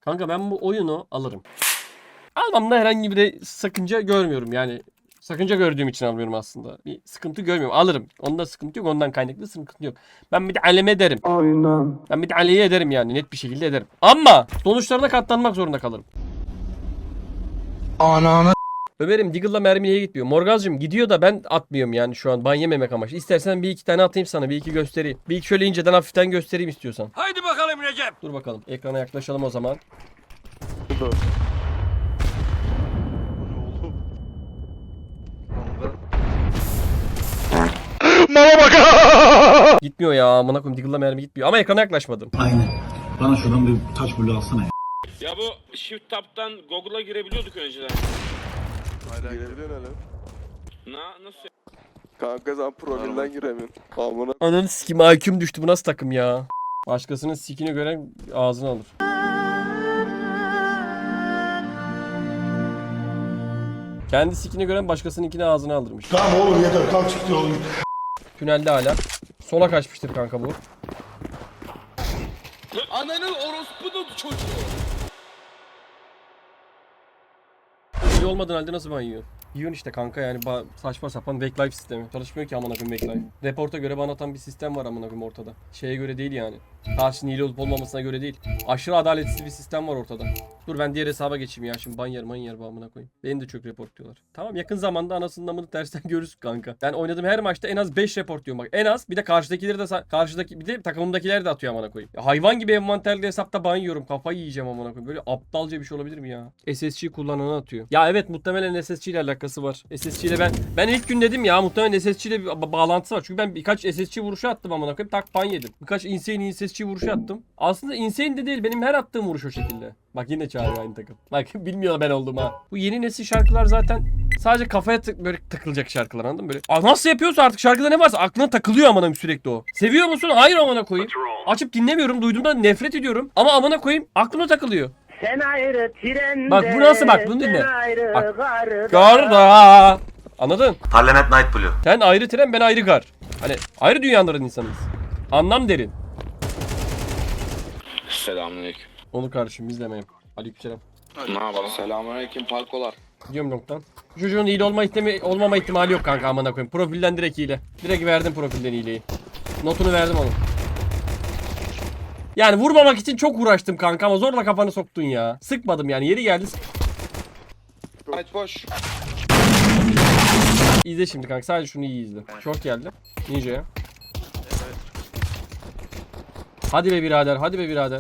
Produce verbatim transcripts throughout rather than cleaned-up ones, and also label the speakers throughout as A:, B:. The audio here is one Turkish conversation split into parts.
A: Kanka ben bu oyunu alırım. Almamda herhangi bir de sakınca görmüyorum yani. Sakınca gördüğüm için almıyorum aslında. Bir sıkıntı görmüyorum. Alırım. Onda sıkıntı yok. Ondan kaynaklı sıkıntı yok. Ben bir de aleme ederim. Aynen. Ben bir de aleye ederim yani. Net bir şekilde ederim. Ama sonuçlarına katlanmak zorunda kalırım. Ananı. Ömer'im Diggle'la mermiye gitmiyor. Morgazcığım gidiyor da ben atmıyorum yani şu an. Ban yememek amaçlı. İstersen bir iki tane atayım sana. Bir iki göstereyim. Bir iki şöyle inceden hafiften göstereyim istiyorsan.
B: Haydi bakalım Recep.
A: Dur bakalım. Ekrana yaklaşalım o zaman.
C: Dur.
A: Mama bak. Gitmiyor ya. Amına koyayım Diggle'la mermi gitmiyor. Ama ekrana yaklaşmadım.
D: Aynen. Bana şuradan bir taş bulu alsana ya.
B: Ya bu Shift Tab'dan Google'a girebiliyorduk önceden.
C: Hala girebiliyorsun hele.
B: Na nasıl?
C: Kanka sen profilden giremiyorsun. Amına.
A: Ananı sikim I Q'm düştü. Bu nasıl takım ya? Başkasının sikini gören ağzını alır. Kendi sikini gören başkasınınkini ağzına aldırmış.
E: Tamam oğlum yeter kalk çıktı oğlum.
A: Tünelde hala. Sola kaçmıştır kanka bu.
B: Ananın orospunun çocuğu.
A: İyi olmadığın halde nasıl ban yiyor? Yiyorsun işte kanka yani ba- saçma sapan backlife sistemi. Çalışmıyor ki amına koyayım backlife. Reporta göre ban atan bir sistem var amına koyayım ortada. Şeye göre değil yani. Karşının hile olup olmamasına göre değil. Aşırı adaletsiz bir sistem var ortada. Dur ben diğer hesaba geçeyim ya şimdi ban yer man yer bu amına koyayım. Beni de çok report diyorlar. Tamam yakın zamanda anasının amını tersten görürsün kanka. Ben oynadığım her maçta en az beş report diyorum bak. En az bir de karşıdakileri de sa- karşıdaki bir de takımımdakiler de atıyor amına koyayım. Ya hayvan gibi envanterli hesapta ban yiyorum. Kafayı yiyeceğim amına koyayım. Böyle aptalca bir şey olabilir mi ya? S S G kullananı atıyor. Ya evet muhtemelen S S G ile alakası var. S S G ile ben ben ilk gün dedim ya muhtemelen S S G ile bir ba- bağlantısı var. Çünkü ben birkaç S S G vuruşu attım amına koyayım. Tak ban yedim. Birkaç insane S S G vuruşu attım. Aslında insane de değil benim her attığım vuruş o şekilde. Bak yine çağırıyor aynı takım. Bak bilmiyor ben oldum ha. Bu yeni nesil şarkılar zaten sadece kafaya tık böyle takılacak şarkılar anladın mı? Böyle Aa, nasıl yapıyorsa artık şarkıda ne varsa aklına takılıyor amına sürekli o. Seviyor musun? Hayır amına koyayım. Açıp dinlemiyorum. Duyduğumda nefret ediyorum. Ama amına koyayım aklıma takılıyor.
F: Sen ayrı trende.
A: Bak bu nasıl bak bunu dinle.
F: Sen ayrı
A: Bak.
F: garda.
A: Garda. Anladın?
G: Parliament Night Blue.
A: Sen ayrı tren ben ayrı gar. Hani ayrı dünyaların insanıyız. Anlam derin.
B: Selamünaleyküm.
A: Onu kardeşim izlemeyim. Aleykümselam.
B: Ne yapalım? Selamünaleyküm parkolar.
A: Gidiyorum noktan. Çocuğun hile olma ihtimali, olmama ihtimali yok kanka amına koyayım. Profilden direkt hile. Direkt verdim profilden hileyi. Notunu verdim onun. Yani vurmamak için çok uğraştım kanka ama zorla kafanı soktun ya. Sıkmadım yani yeri geldi.
B: Aç boş.
A: İzle şimdi kanka sadece şunu iyi izle. Short geldi. Ninja'ya. Hadi be birader hadi be birader.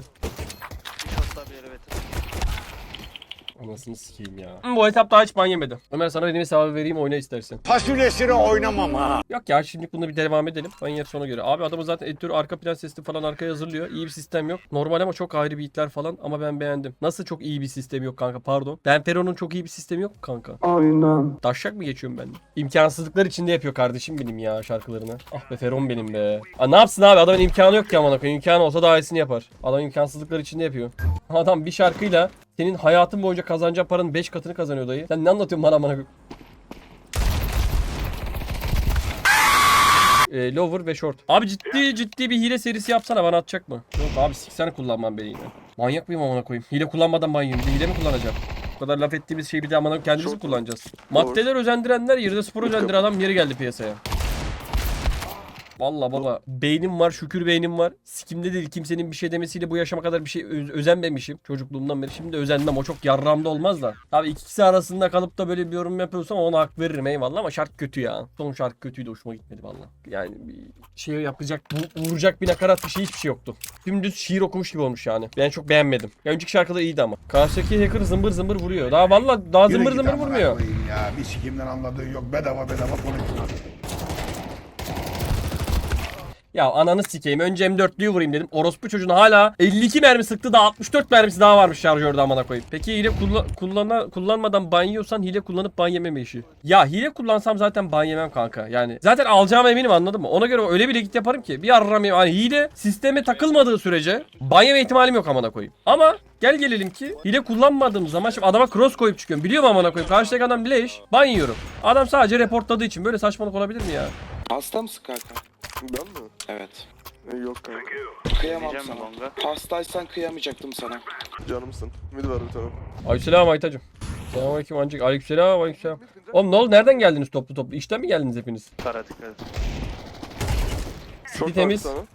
A: Anasını sikeyim ya. Bu etapta hiç ban yemedi. Ömer sana benim hesabı vereyim oyna istersen.
E: Fasulyesini oynamam ha.
A: Yok ya şimdi bunu bir devam edelim. Ban yer sona göre. Abi adamın zaten editörü arka plan sesli falan arkaya hazırlıyor. İyi bir sistem yok. Normal ama çok ayrı beatler falan ama ben beğendim. Nasıl çok iyi bir sistem yok kanka pardon. Benpero'nun çok iyi bir sistemi yok kanka. Aynen. Taşak mı geçiyorum ben? İmkansızlıklar içinde yapıyor kardeşim benim ya şarkılarını. Ah be Feron benim be. Aa, ne yapsın abi adamın imkanı yok ki amına koyayım. İmkanı olsa daha iyisini yapar. Adam imkansızlıklar içinde yapıyor. Adam bir şarkıyla senin hayatın boyunca kazanacağın paranın beş katını kazanıyor dayı. Sen ne anlatıyorsun bana amına koyayım? E, lower ve short. Abi ciddi ciddi bir hile serisi yapsana bana atacak mı? Yok abi siksene kullanmam beni yine. Manyak mıyım amına koyayım? Hile kullanmadan manyağım. Bir de hile mi kullanacağım? Bu kadar laf ettiğimiz şeyi bir de amına kendimiz mi kullanacağız? Maddeler özendirenler yerine spor özendiren adam yeri geldi piyasaya. Vallahi baba beynim var şükür beynim var. Sikimde değil kimsenin bir şey demesiyle bu yaşama kadar bir şey öz- özenmemişim çocukluğumdan beri. Şimdi de özenmem o çok yarramda olmaz da. Tabii ikisi arasında kalıp da böyle bir yorum yapıyorsam ona hak veririm eyvallah ama şarkı kötü ya. Son şarkı kötüydü hoşuma gitmedi vallahi. Yani bir şey yapacak bu- vuracak bir nakarat bir şey hiçbir şey yoktu. Dümdüz şiir okumuş gibi olmuş yani. Ben çok beğenmedim. Ya önceki şarkıda iyiydi ama. Karşıdaki hacker zımbır zımbır vuruyor. Daha vallahi daha zımbır zımbır vurmuyor.
E: Ya bir sikimden anladığın yok bedava bedava konuşuyor.
A: Ya ananı sikeyim. Önce M dörtlüyü vurayım dedim. Orospu çocuğuna hala elli iki mermi sıktı da altmış dört mermisi daha varmış şarjörde amına koyayım. Peki hile kullan kullana kullanmadan ban yiyorsan hile kullanıp ban yememe işi. Ya hile kullansam zaten ban yemem kanka. Yani zaten alacağım eminim anladın mı? Ona göre öyle bir git yaparım ki bir arram hani hile sisteme takılmadığı sürece ban yeme ihtimalim yok amına koyayım. Ama gel gelelim ki hile kullanmadığım zaman şimdi adama cross koyup çıkıyorum. Biliyorum amına koyayım. Karşıdaki adam leş. Ban yiyorum. Adam sadece reportladığı için böyle saçmalık olabilir mi ya?
B: Hasta mısın kanka?
C: Ben mi?
B: Evet.
C: E, yok kanka.
G: Kıyamam
H: Diyeceğim
G: sana.
H: mi longa?
G: Hastaysan kıyamayacaktım sana.
C: Canımsın. Mid var bir tane.
A: Aleykümselam Aytacım. Selamünaleyküm ancak. Aleykümselam aleykümselam. Oğlum ne oldu? Nereden geldiniz toplu toplu? İşten mi geldiniz hepiniz?
H: Kara dikkat et.
C: Short var
A: temiz.
C: bir tane.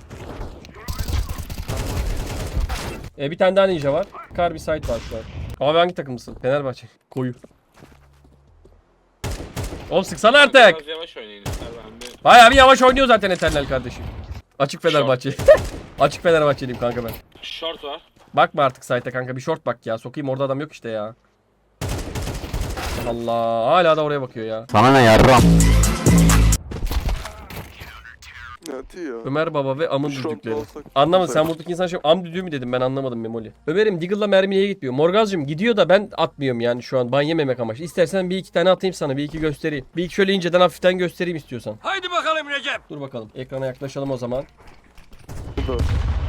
A: E bir tane daha ninja var. Kar bir site var şu an. Abi hangi takımlısın? Fenerbahçe. Koyu. Oğlum sıksana artık.
B: Biraz yavaş oynayın ister ben bir.
A: Bayağı bir yavaş oynuyor zaten Eternal kardeşim. Açık Fenerbahçe. Açık Fenerbahçeliyim kanka ben.
B: Short var.
A: Bakma artık site'e kanka bir short bak ya. Sokayım orada adam yok işte ya. Allah hala da oraya bakıyor ya.
C: Ne atıyor ya?
A: Ömer Baba ve Amın
C: Short
A: düdükleri.
C: olsak-
A: Anlamadım sen buradaki insan şey am düdüğü mü dedim ben anlamadım Memoli. Ömer'im Diggle'la mermi niye gitmiyor? Morgazcığım gidiyor da ben atmıyorum yani şu an ban yememek amaçlı. İstersen bir iki tane atayım sana bir iki göstereyim. Bir iki şöyle inceden hafiften göstereyim istiyorsan.
B: Haydi bakalım Recep.
A: Dur bakalım ekrana yaklaşalım o zaman.
C: Mid var.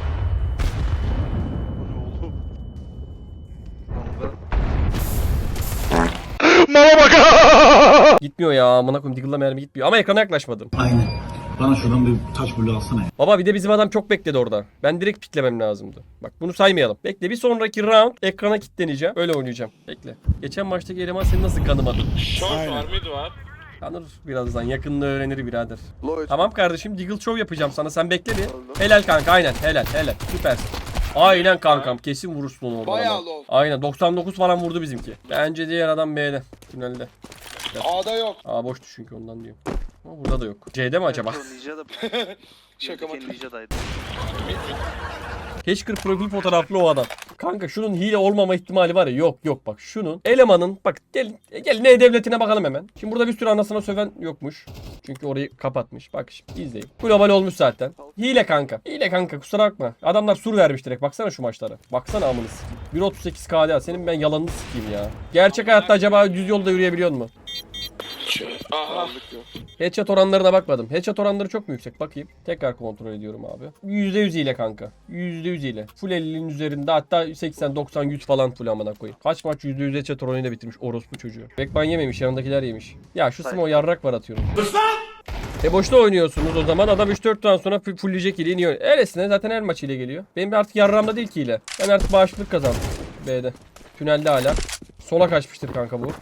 A: Gitmiyor ya amına koyayım Diggle'la mermi gitmiyor ama ekrana yaklaşmadım.
D: Aynen. Bana şuradan bir taş bulu alsana ya.
A: Baba bir de bizim adam çok bekledi orada. Ben direkt piklemem lazımdı. Bak bunu saymayalım. Bekle bir sonraki round ekrana kilitleneceğim. Öyle oynayacağım. Bekle. Geçen maçtaki eleman seni nasıl kanımadı?
B: Short
E: Aynen.
B: var, mid var.
A: Kanır birazdan yakında öğrenir birader.
C: Low H P.
A: Tamam kardeşim Diggle Show yapacağım sana. Sen bekle bir.
C: Aldım.
A: Helal kanka aynen helal helal. Süpersin. Aynen kankam kesin vurursun onu orada.
G: Bayağı
A: ama.
G: low.
A: Aynen doksan dokuz falan vurdu bizimki. Bence diğer adam B'de. Tünelde.
G: A'da yok.
A: Aa boştu çünkü ondan diyorum. Ama burada da yok. C'de mi acaba?
H: O Ninja da
G: Şaka mı?
H: Ninja'daydı.
A: Keşkır profil fotoğraflı o adam. Kanka şunun hile olmama ihtimali var ya yok yok bak şunun elemanın bak gel gel ne devletine bakalım hemen. Şimdi burada bir sürü anasına söven yokmuş. Çünkü orayı kapatmış. Bak şimdi izleyin. Global olmuş zaten. Hile kanka. Hile kanka kusura bakma. Adamlar sur vermiş direkt. Baksana şu maçlara. Baksana amını sikeyim. bir otuz sekiz K D A. Senin ben yalanını sikeyim ya. Gerçek hayatta acaba düz yolda yürüyebiliyor mu?
B: Aha.
C: Aldık ya.
A: Headshot oranlarına bakmadım. Headshot oranları çok mu yüksek? Bakayım. Tekrar kontrol ediyorum abi. yüzde yüz ile kanka. yüzde yüz ile. Full ellinin üzerinde hatta seksen doksan yüz falan full amına koyayım. Kaç maç yüzde yüz headshot oranıyla bitirmiş orospu çocuğu. Bekman yememiş yanındakiler yemiş. Ya şu Smo yarrak var atıyorum. E boşta oynuyorsunuz o zaman adam üç dört round sonra full- fullleyecek ile iniyor. Öylesine zaten her maç ile geliyor. Benim artık yarramda değil ki ile. Ben artık bağışıklık kazandım. B'de. Tünelde hala. Sola kaçmıştır kanka bu.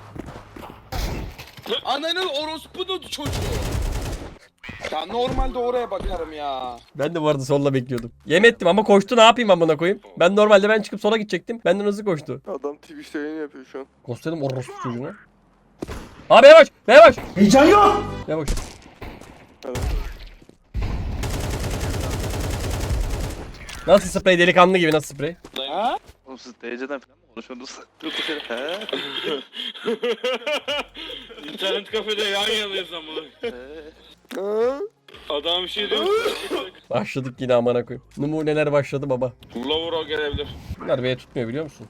G: Ananın orospunun çocuğu. Ya normalde oraya bakarım ya.
A: Ben de bu arada solla bekliyordum. Yem ettim ama koştu ne yapayım amına koyayım. Ben normalde ben çıkıp sola gidecektim. Benden hızlı koştu.
C: Adam Twitch'te yayın yapıyor şu an.
A: Gösterdim orospu çocuğunu. Abi yavaş yavaş.
E: Heyecan yok.
A: Yavaş.
C: Evet.
A: Nasıl sprey delikanlı gibi nasıl sprey?
G: Ha?
H: Oğlum siz D C'den falan mı konuşuyorsunuz? Yok bu şey. He?
B: İnternet kafede yan yanayız ama.
H: He?
C: Ha?
B: Adam bir şey diyor.
A: Başladık yine amına koyayım. Numuneler başladı baba.
B: Lower o gelebilir.
A: Bunlar B'ye tutmuyor biliyor musun?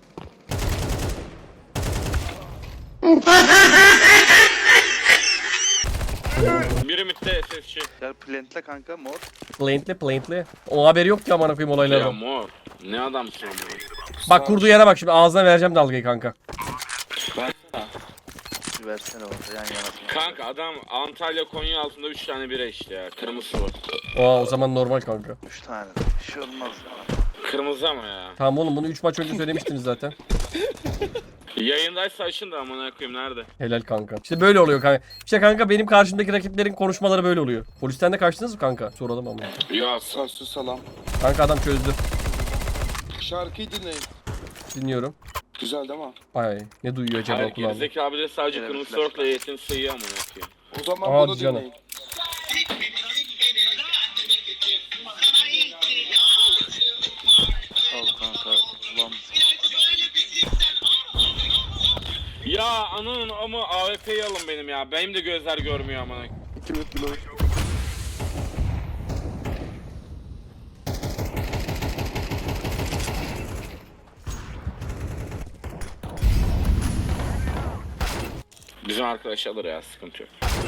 B: Biri midde S S C.
H: Gel plantle kanka mor.
A: Plaintli plaintli. O haberi yok ki amına koyayım
B: Ya
A: olaylardan.
B: mor. Ne adamsın ama.
A: Bak kurduğu yere bak şimdi ağzına vereceğim dalgayı kanka.
H: Bir versene orada yan yana.
B: Kanka adam Antalya Konya altında üç tane bira işte ya. Kırmızı var.
A: Aa o zaman normal kanka.
H: Üç tane. Bir şey olmaz ya.
B: Kırmızı ama ya.
A: Tamam oğlum bunu üç maç önce söylemiştiniz zaten.
B: Yayındaysa açın da amına koyayım nerede?
A: Helal kanka. İşte böyle oluyor kanka. İşte kanka benim karşımdaki rakiplerin konuşmaları böyle oluyor. Polisten de kaçtınız mı kanka? Soralım ama.
B: Ya
G: Sassız salam.
A: Kanka adam çözdü.
G: Şarkıyı dinleyin.
A: Dinliyorum.
G: Güzel değil mi?
A: Ay ne duyuyor acaba
B: Hayır
A: kulağım?
B: gerizeki abi de sadece
H: Evet,
B: kırmızı
H: flash.
B: torkla yetin sıyıyor amına koyayım.
G: O zaman
A: Hadi
G: bunu
A: canım.
G: dinleyin.
H: Al kanka. Ulan
B: Ya ananın ama A W P'yi alın benim ya. Benim de gözler görmüyor amına.
C: İki mid bir low.
B: Bizim arkadaş alır ya sıkıntı yok.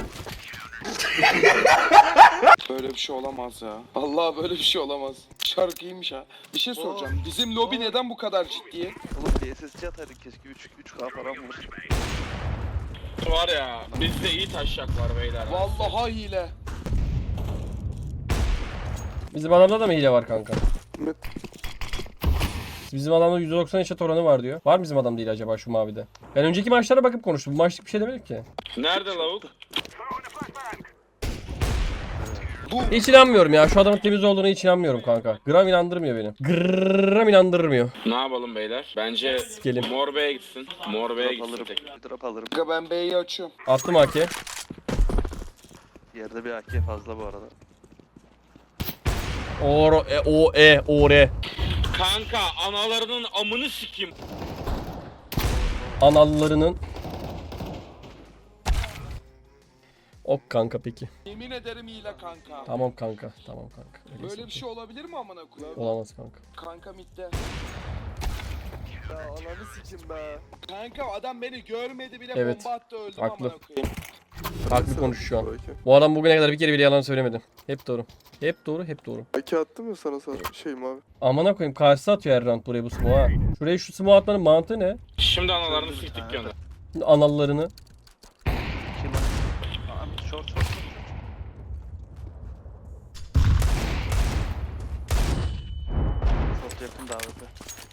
G: Böyle bir şey olamaz ya. Allah böyle bir şey olamaz. Şarkıymış ha. Bir şey soracağım. Bizim lobi neden bu kadar ciddi?
H: oğlum D S S C ataydın keşke üç üç K falan vur.
B: Var ya bizde iyi taşak var beyler.
G: Vallahi hile.
A: Bizim adamda da mı hile var kanka?
C: Mid.
A: Bizim adamda yüzde doksan eşit oranı var diyor. Var mı bizim adam değil acaba şu mavide? Ben önceki maçlara bakıp konuştum. Bu maçlık bir şey demedik ki.
B: Nerede lavuk?
A: Hiç inanmıyorum ya. Şu adamın temiz olduğuna hiç inanmıyorum kanka. Gram inandırmıyor beni. Gram inandırmıyor.
B: Ne yapalım beyler? Bence
A: Sikelim.
B: Mor B'ye gitsin. Mor B'ye
H: Drop
B: gitsin
H: alırım.
B: tek.
H: Bir drop alırım.
G: Kanka ben B'yi açıyorum.
A: Attım A K.
H: Yerde bir A K fazla bu arada.
A: O e o e o r.
B: Kanka analarının amını sikeyim.
A: Anallarının. Ok kanka peki.
G: Yemin ederim hile kanka.
A: Tamam kanka. Tamam kanka. Öyleyse
G: Böyle bir şey olabilir mi amına koyayım?
A: olamaz kanka.
G: Kanka midde.
C: Ya ananı sikim be.
G: Kanka adam beni görmedi bile
A: Evet.
G: bomba attı öldüm
A: Haklı.
G: amına koyayım.
A: Haklı konuş şu an.
C: Belki.
A: Bu adam bugüne kadar bir kere bile yalan söylemedi. Hep doğru. Hep doğru, hep doğru.
C: Belki attım ya sana sana şey mavi.
A: Amına koyayım karşısı atıyor her round buraya bu smoke'a. ha. Şuraya şu smoke atmanın mantığı ne?
B: Şimdi analarını siktik gönder.
A: Anallarını.
H: Kim o? Aa, short short short. Short yakın daveti.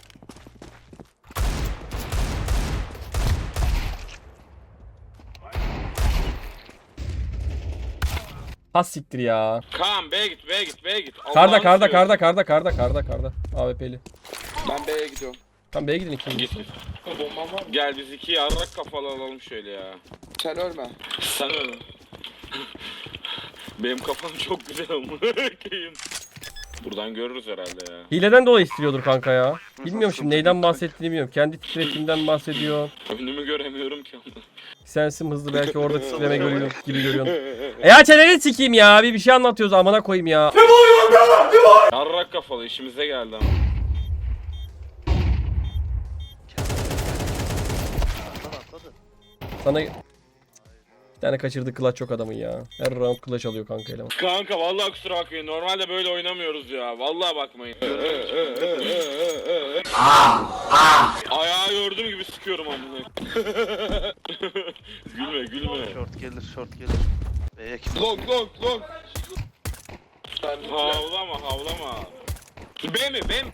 A: Has siktir ya.
B: Kaan B'ye git B'ye git B'ye git.
A: Karda
B: Allah'ını
A: karda
B: seviyorum.
A: karda karda karda karda karda. A W P'li.
G: Ben B'ye gidiyorum.
A: Tamam B'ye gidin ikiniz.
B: Git. Gel biz iki yarrak kafalı alalım şöyle ya.
G: Sen ölme.
B: Sen öyle. Benim kafam çok güzel amına koyayım. Buradan görürüz herhalde ya.
A: Hileden dolayı istiyordur kanka ya. Bilmiyorum şimdi neyden bahsettiğini bilmiyorum. Kendi titretiğinden bahsediyor.
B: Önümü göremiyorum ki amına.
A: Sensim hızlı belki orada titreme görüyor gibi görüyorsun. E ya çeneni sikeyim ya. Bir bir şey anlatıyoruz amına koyayım ya.
B: Yarrak kafalı işimize geldi ama.
H: Atladı atladı.
A: Sana bir tane kaçırdı clutch çok adamın ya. Her round clutch alıyor kanka eleman.
B: Kanka vallahi kusura bakmayın. Normalde böyle oynamıyoruz ya. Vallahi bakmayın. Ayağı gördüğüm gibi sıkıyorum amına. Gülme gülme.
H: Short gelir short gelir. B'ye kim?
G: Long long long.
B: Havlama havlama. B mi B mi?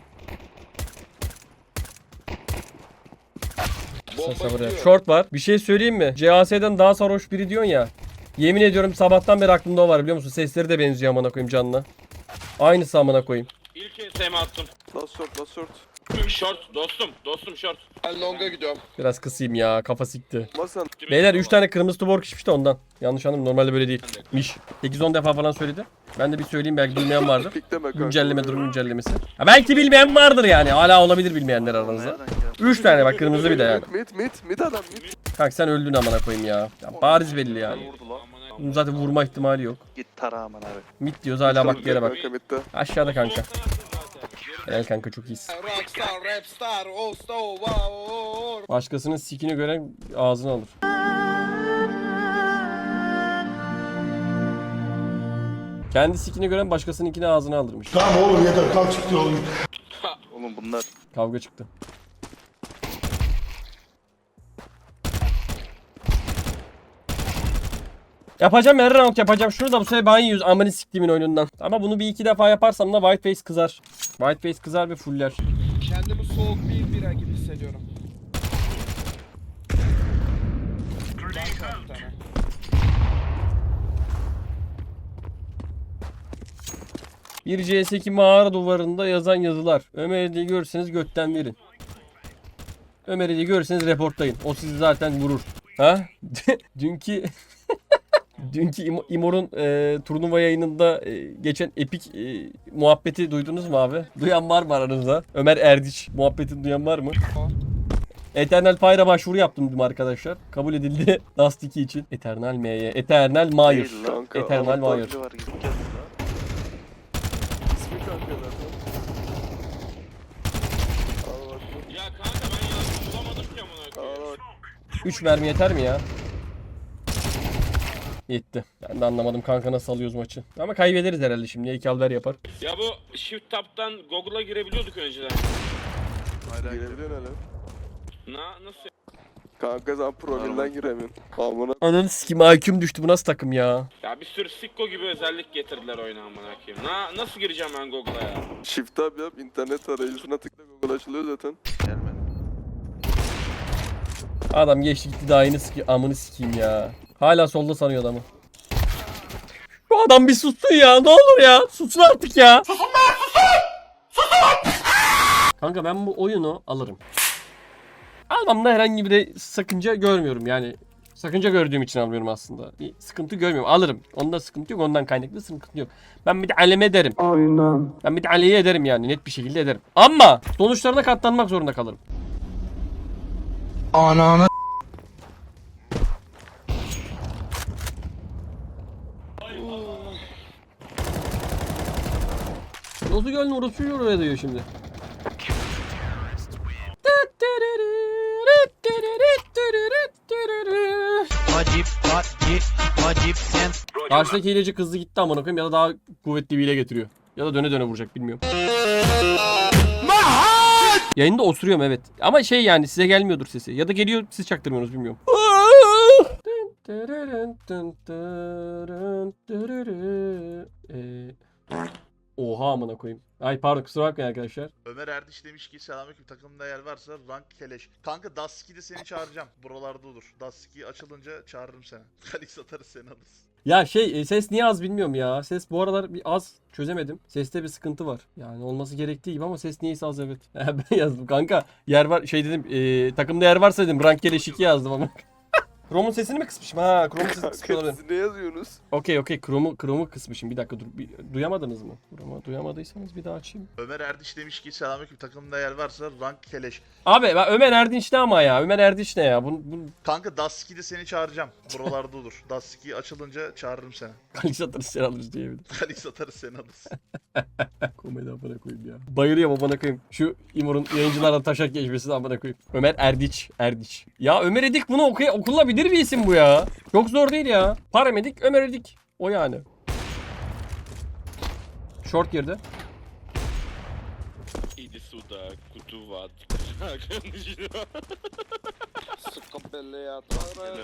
A: Sen sabır ya. Short var. Bir şey söyleyeyim mi? C A S'den daha sarhoş biri diyorsun ya. Yemin ediyorum sabahtan beri aklımda o var biliyor musun? Sesleri de benziyor amına koyayım canına. Aynısı amına koyayım.
B: İlk E S M attım.
C: Last short last short.
B: Short dostum dostum short.
G: Ben long'a gidiyorum.
A: Biraz kısayım ya. Kafa sikti.
C: Masan.
A: Beyler üç tane kırmızı tuborg içmiş de ondan. Yanlış anladım. Normalde böyle değil. Miş. sekiz on defa falan söyledi. Ben de bir söyleyeyim belki bilmeyen vardır.
C: Pikleme kanka.
A: Güncelleme durum güncellemesi. Ha, belki bilmeyen vardır yani. Hala olabilir bilmeyenler aranızda.
H: Nereden geldi?
A: üç tane bak kırmızı bir de yani.
C: Mid mid mid adam mid.
A: Kanka sen öldün amına koyayım ya. Ya bariz belli yani.
H: Vurdu lan.
A: Bunun zaten vurma ihtimali yok.
H: Git tara aman abi.
A: Mid diyoruz hala bak yere bak.
C: Kanka midde.
A: Aşağıda kanka. Helal kanka çok iyisin.
G: Rockstar, rapstar, osta, wow.
A: Başkasının sikini gören ağzını alır. Kendi sikini gören başkasınınkini ağzına aldırmış.
E: Tamam oğlum yeter kalk çık diyor oğlum.
H: Oğlum bunlar
A: Kavga çıktı. Yapacağım her round yapacağım. Şunu da bu sefer ben yiyoruz amını siktiğimin oyunundan. Ama bunu bir iki defa yaparsam da Whiteface kızar. Whiteface kızar ve fuller.
G: Kendimi soğuk bir bira gibi hissediyorum. Bir tane.
A: Bir C S iki mağara duvarında yazan yazılar. Ömer Ali'yi görürseniz götten verin. Ömer Ali'yi görürseniz reportlayın. O sizi zaten vurur. Ha? Dünkü Dünkü İmo- İmor'un e, turnuva yayınında e, geçen epik e, muhabbeti duydunuz mu abi? Duyan var mı aranızda? Ömer Erdiç muhabbetini duyan var mı? Eternal Fire'a başvuru yaptım dün arkadaşlar. Kabul edildi Dust iki için. Eternal M'ye. Eternal Mayer.
H: değil lan.
C: Kanka,
A: Eternal
C: Allah
A: Mayer.
H: Biri var gidip geldi lan.
C: İsmi kanka zaten. Al bak.
B: Ya kanka ben yanlış bulamadım ki amına koyayım.
C: Al bak.
A: üç mermi yeter mi ya? Yetti. Ben de anlamadım kanka nasıl alıyoruz maçı. Ama kaybederiz herhalde şimdi. İki alver yapar.
B: Ya bu Shift Tab'dan Google'a girebiliyorduk önceden.
H: Hala gidiyor.
C: Gelebiliyorsun hele.
B: Na nasıl?
C: Kanka sen profilden giremiyorsun. Amına.
A: Ananı sikim I Q'm düştü, bu nasıl takım ya?
B: Ya bir sürü sikko gibi özellik getirdiler oyuna amına koyayım. Na nasıl gireceğim ben Google'a ya?
C: Shift tab yap, internet arayüzüne tıkla, Google açılıyor zaten.
H: Gelmedi.
A: Adam geçti gitti, daha yeni siki amını sikeyim ya. Hala solda sanıyor adamı. Şu adam bir sussun ya, ne olur ya. Sussun artık ya. Kanka ben bu oyunu alırım. Almamda herhangi bir de sakınca görmüyorum yani. Sakınca gördüğüm için almıyorum aslında. Bir sıkıntı görmüyorum. Alırım. Onda sıkıntı yok. Ondan kaynaklı sıkıntı yok. Ben bir de aleme ederim.
C: Aynen.
A: Ben bir de aleye ederim yani. Net bir şekilde ederim. Ama sonuçlarına katlanmak zorunda kalırım.
E: Ananı
A: Nasıl gönlü orası oraya diyor şimdi.
I: Acip, acip, acip sen.
A: Karşıdaki hileci kızdı gitti amına koyayım ya da daha kuvvetli bir hile getiriyor. Ya da döne döne vuracak bilmiyorum. Yayında osuruyorum evet. Ama şey yani size gelmiyordur sesi. Ya da geliyor siz çaktırmıyorsunuz bilmiyorum. Ee, Oha amına koyayım. Ay pardon kusura bakmayın arkadaşlar.
J: Ömer Erdiş demiş ki selamünaleyküm, takımda yer varsa rank keleş. Kanka Dusky'de seni çağıracağım. Buralarda olur. Dusky açılınca çağırırım seni. Kalix atarız seni alırız.
A: Ya şey e, ses niye az bilmiyorum ya. Ses bu aralar bir az çözemedim. Seste bir sıkıntı var. Yani olması gerektiği gibi ama ses niyeyse az evet. Ben yazdım kanka. Yer var şey dedim e, takımda yer varsa dedim rank keleş iki yazdım ama. Chrome'un sesini mi kısmışım? Ha, Chrome'un sesini kısmış
C: Kanka
A: olabilir.
C: siz ne yazıyorsunuz?
A: Okey okey Chrome'u Chrome'u kısmışım. Bir dakika dur. Bir, duyamadınız mı? Chrome'u duyamadıysanız bir daha açayım.
J: Ömer Erdiş demiş ki selamünaleyküm, takımda yer varsa rank keleş.
A: Abi ben Ömer Erdinç ne ama ya? Ömer Erdinç ne ya? Bunu, bunu
J: Kanka Dusky'de seni çağıracağım. Buralarda olur. Dusky açılınca çağırırım seni.
A: Kalix atarız sen alırız diyebilirim.
J: Kalix atarız seni alırız.
A: Komedi amına koyayım ya. Bayılıyorum amına koyayım. Şu İmor'un yayıncılardan taşak geçmesini amına koyayım. Ömer Erdiç. Erdiç. Ya Ömer Edik bunu okuy okunabilir bir isim bu ya. Çok zor değil ya. Paramedik Ömer Edik. O yani. Short girdi.
B: İdi suda kutu var.
G: Sıkı belli yatarım.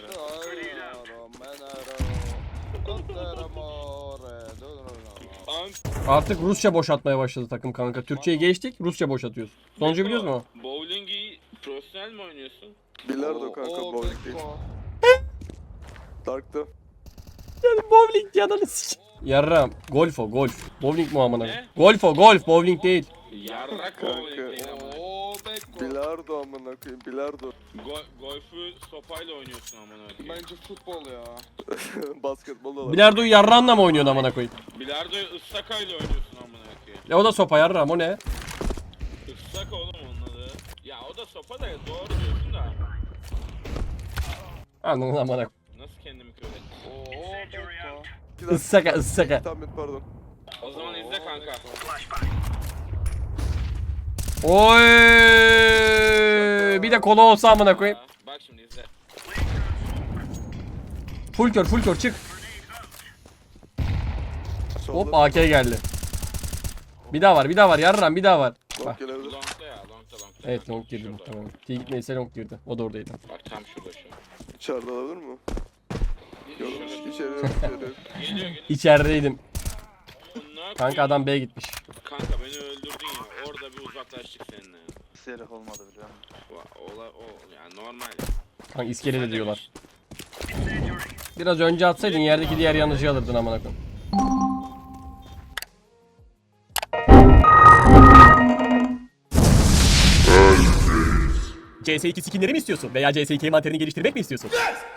A: Artık Rusça boşaltmaya başladı takım kanka. Türkçeyi geçtik, Rusça boşaltıyoruz. Sonucu biliyoruz mu?
B: Bowling'i profesyonel mi oynuyorsun?
C: Bilardo kanka, bowling değil. Dark'ta.
A: Yani bowling yanını s***. Yarram. Golf o, golf. Bowling mu amına?
B: Ne?
A: Golf o, golf. Bowling değil.
B: Yarrak
C: Kanka.
B: bowling değil ama.
G: Oo beko.
C: Bilardo amına koyayım, bilardo.
B: Go golfü sopayla oynuyorsun amına koyayım.
G: Bence futbol ya.
C: Basketbol da var.
A: Bilardo'yu yarranla mı oynuyorsun amına koyayım?
B: Bilardo'yu ıssakayla oynuyorsun amına koyayım.
A: Ya o da sopa yarram, o ne?
B: Issak oğlum onun adı. Ya o da sopa da doğru diyorsun da.
A: Anladın amına koyayım.
B: Nasıl kendimi kör ettim?
G: Oo beko.
A: Issaka, ıssaka.
C: Tamam pardon.
B: O zaman izle kanka.
A: Oy! Bir de kola olsa amına koyayım.
B: Bak şimdi izle.
A: Full kör, full kör çık.
C: Solda.
A: Hop A K geldi. Bir daha var, bir daha var. Yarram bir daha var. Bak.
C: Bak gelebilir.
B: Long'da ya, long'da long'da.
A: Evet long girdi muhtemelen. T gitmeyse long girdi. O da oradaydı.
B: Bak tam şurada şu an.
C: İçeride alabilir mi? Yok, içeri yok, içeri yok.
B: Geliyor geliyor.
A: İçerideydim.
B: Bunlar
A: Kanka adam B'ye gitmiş.
B: Kanka beni öldürdün ya. Orada bir uzaklaştık seninle. ya.
H: Serif olmadı biliyor musun?
B: Va- Ola o yani normal.
A: Kanka iskelede diyorlar. Biraz önce atsaydın yerdeki diğer yanıcıyı alırdın amına koyayım. C S iki skinleri mi istiyorsun? Veya C S iki envanterini geliştirmek mi istiyorsun?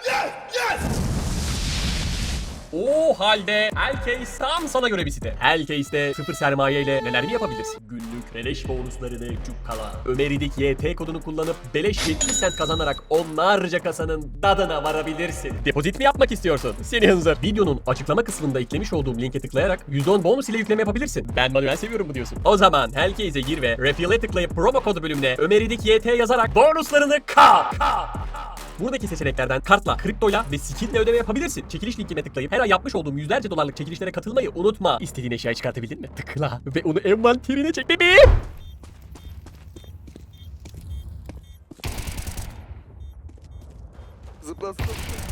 A: O halde Hellcase tam sana göre bir site. Hellcase'de sıfır sermaye ile neler mi yapabilirsin? Günlük beleş bonuslarını cukkala. Ömeridik Y T kodunu kullanıp beleş yetmiş sent kazanarak onlarca kasanın dadına varabilirsin. Depozit mi yapmak istiyorsun? Seni hınzır. Videonun açıklama kısmında eklemiş olduğum linke tıklayarak yüzde on bonus ile yükleme yapabilirsin. Ben manuel seviyorum bu diyorsun. O zaman Hellcase'e gir ve Refill'e tıklayıp promo kodu bölümüne Ömeridik Y T yazarak bonuslarını kap. kap. Buradaki seçeneklerden kartla, kriptoyla ve skinle ödeme yapabilirsin. Çekiliş linkine tıklayıp her ay yapmış olduğum yüzlerce dolarlık çekilişlere katılmayı unutma. İstediğin eşyayı çıkartabildin mi? Tıkla ve onu envanterine çek bebeğim.
C: Zıpla zıpla.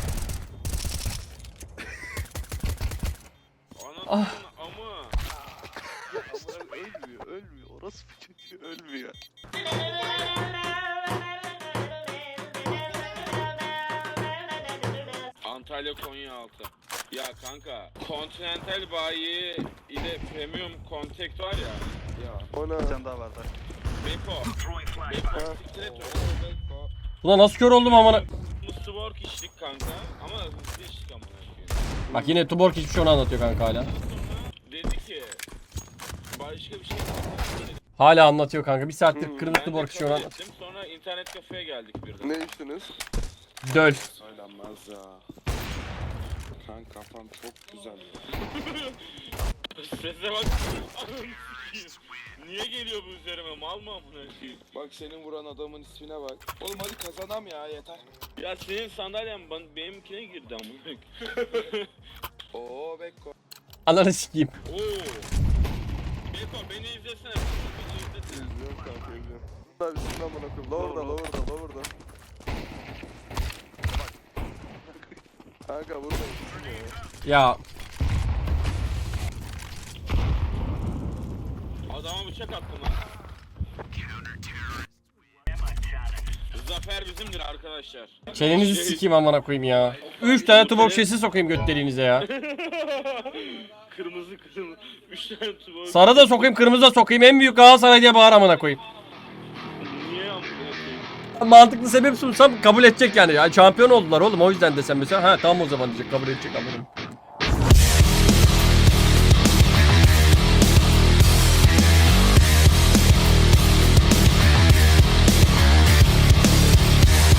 B: Ananın
A: Ah.
B: ama.
H: Ölmüyor, ölmüyor. Orası bir çocuğu ölmüyor.
B: Antalya Konyaaltı. Ya kanka, Continental bayi ile Premium Contact var ya. Ya.
C: O ne?
H: Bir tane daha vardı.
B: Beko. Beko. Siktir et öyle Beko.
A: Ulan nasıl kör oldum amına.
B: Mustwork içtik kanka. Ama hızlı içtik amına koyayım.
A: Bak yine Tuborg hiçbir şey onu anlatıyor kanka hala.
B: Sonra dedi ki başka bir şey dedi.
A: Hala anlatıyor kanka. Bir saattir
C: Hmm,
A: kırmızı
B: Ben
A: Tuborg
B: de
A: şey onu
B: kabul
A: anlatıyor.
B: ettim. Sonra internet kafeye geldik birden.
C: Ne içtiniz?
A: Döl.
G: Söylenmez ya. Kanka kafam çok güzel ya.
B: Sese bak. Ananı sikeyim. Niye geliyor bu üzerime? Mal mı amına koyayım?
G: Bak senin vuran adamın ismine bak. Oğlum hadi kazanam ya yeter.
B: Ya senin sandalyen ben, benimkine girdi amına koyayım.
G: Oo Bekko.
A: Ananı sikeyim.
B: Oo. Beko beni izlesene. Beni izlesene.
C: İzliyorum kanka izliyorum. Abi şimdi amına koyayım. Lower'da lower'da lower'da. Kanka burada.
A: Ya
B: Adama bıçak attım lan. Zafer bizimdir arkadaşlar.
A: çenenizi sikeyim amına koyayım ya. Üç tane Tuborg şişesi sokayım göt deliğinize ya.
B: Kırmızı kırmızı. Üç tane tuba.
A: Sarı da sokayım, kırmızı da sokayım. En büyük Galatasaray diye bağır amına koyayım.
B: Niye amına koyayım?
A: Mantıklı sebep sunsam kabul edecek yani. Ya şampiyon oldular oğlum o yüzden desem mesela. Ha tamam o zaman diyecek kabul edecek amına.